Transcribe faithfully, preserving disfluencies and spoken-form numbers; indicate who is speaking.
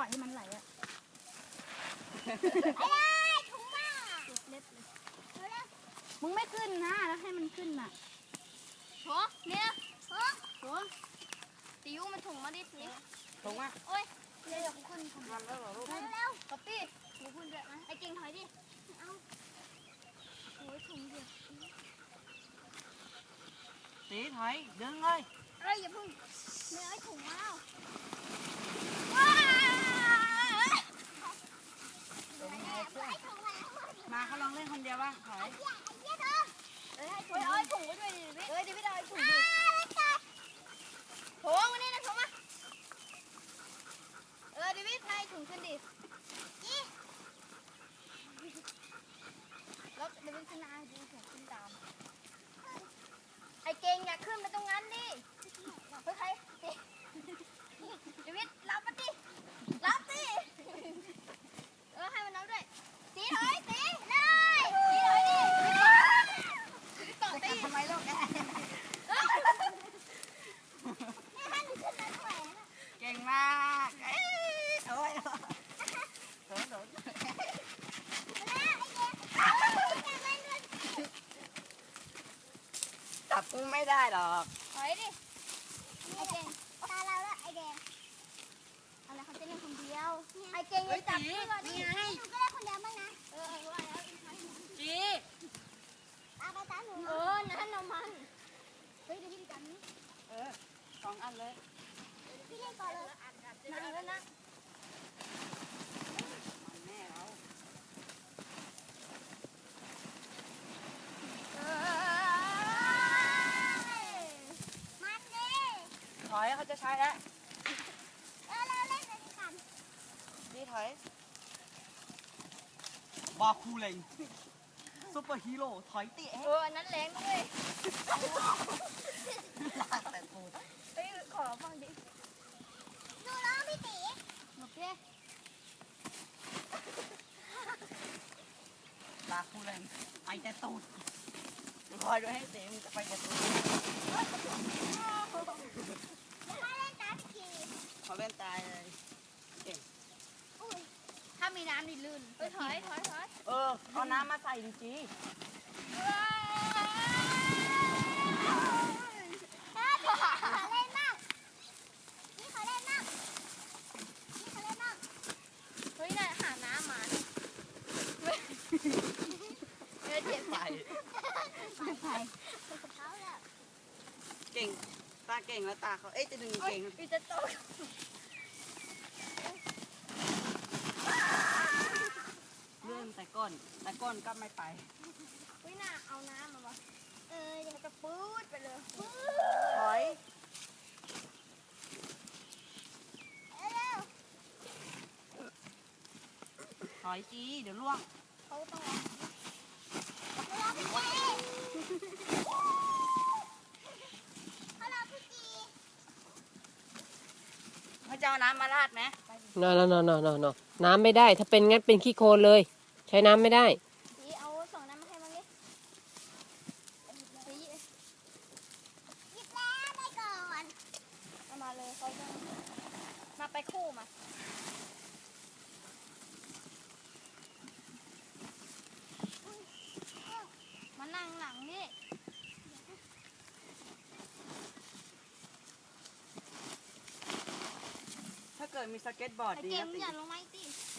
Speaker 1: ล่อยให้มันไหลอ่ะถุงมาเล็บเลยมึงไม่ขึ้นนะแล้วให้มันขึ้นน่ะโถเนี่ยโถโถติ๋วมันถุงมาดิสิ
Speaker 2: ถุงอ่ะ
Speaker 1: โอ้ยเดี๋ยวขึ้นทำแล้วเหรอลูกเร็วๆป๊อปปี้หนูขึ้นด้วยนะไอ้เก่งถอยดิเอาโอ้ยถุงเดียว
Speaker 2: สีถอยดึงเลย
Speaker 1: เอ้ยอย่าพึ่งเนื้อไอ้ถุงมาแล้ว
Speaker 2: มาเขาลองเล่นคนเดียวบ้างถอย
Speaker 1: เอ้ยเอาไอ้ถุงไว้ด้วยดิเอ้ยดิพี่เอาไอ้ถุงดิถุงวันนี้นะถุงมาเออดิพี่ไทยถุงขึ้นดิแล้วดิพี่ขึ้นมาดิถุงขึ้นตามไอ้เก่งอยากขึ้นไปตรงนั้นดิเฮ้ยใครดิวิดรับมาดิรับดิเออให้มันรับด้วยตีถอยตีเลยตีถอยดิต่อตี
Speaker 2: ทำไมลูกแกเก่งมากเอ้ยโอ้ยโดนโดนจับกุ้งไม่ได้หรอก
Speaker 1: ถอยดิไอเก่งตาเราแล้วไอแดงอะไรเขาจะเล่นคนเดียวไอเก่งยังจับเพื่อนนี่ไงหนูก็เล่นคนเดียวบ้างนะเออว่าแล้ว
Speaker 2: จี
Speaker 1: ตาไปตาหนูเออนั่นนมันเฮ้ยเดี๋ยวพี่จับนี้
Speaker 2: เออสองอันเลย
Speaker 1: พี่เล่นก่อนเลยนั่งแล้วนะ
Speaker 2: มันแม่เราถอยเขาจะใช้แล้ว
Speaker 1: เออเราเล่นกันกัน
Speaker 2: ดีถอยบาคูเลงซุปเปอร์ฮีโร่ถอยเตะ
Speaker 1: เอออันนั้นแรงด้วย
Speaker 2: ลากแต่ปูด
Speaker 1: เฮ้ยขอฟังดิดูร้องพี่ตีโอเค
Speaker 2: บาคูเลงไอแต่ตูดคอยดูให้เตะมันจะไปแต่ตูดเขาเล่นตายเลยเก่ง
Speaker 1: ถ้ามีน้ำนี่ลื่นถอยถอยถอย
Speaker 2: เออเอาน้ำมาใส่ดิจี
Speaker 1: ขอเล่นมากนี่ขอเล่นมากนี่ขอเล่นมากเฮ้ยน่ะหาน้ำมาเออเจ็บ
Speaker 2: ไป
Speaker 1: ไป
Speaker 2: เก่งตาเก่งแล้วตาเขาเอ๊ะจะดึงเก่ง
Speaker 1: พี่จะตก
Speaker 2: เลื่อนแต่ก้นแต่ก้นก็ไม่ไป
Speaker 1: วิน่าเอาน้ำมาวะเออยังจะปื๊ดไปเลย
Speaker 2: ถอยถอยจีเดี๋ยวล่วง
Speaker 1: เขาต้อง
Speaker 2: เขาจะเอาน้ำมาราดไหม
Speaker 3: นอนนอนนอนนอนน้ำไม่ได้ถ้าเป็นงั้นเป็นขี้โคลนเลยใช้น้ำไม่ได้
Speaker 1: สีเอาสองน้ำมาให้มั้งดิสีหยิบแล้วไปก่อนเอามาเลยเขาจะมาไปคู่มามานั่งหลังนี่
Speaker 2: ถ้าเกิดมีสเก็ตบอร์ดดีนะ
Speaker 1: ตีอย่าลงไม้ตี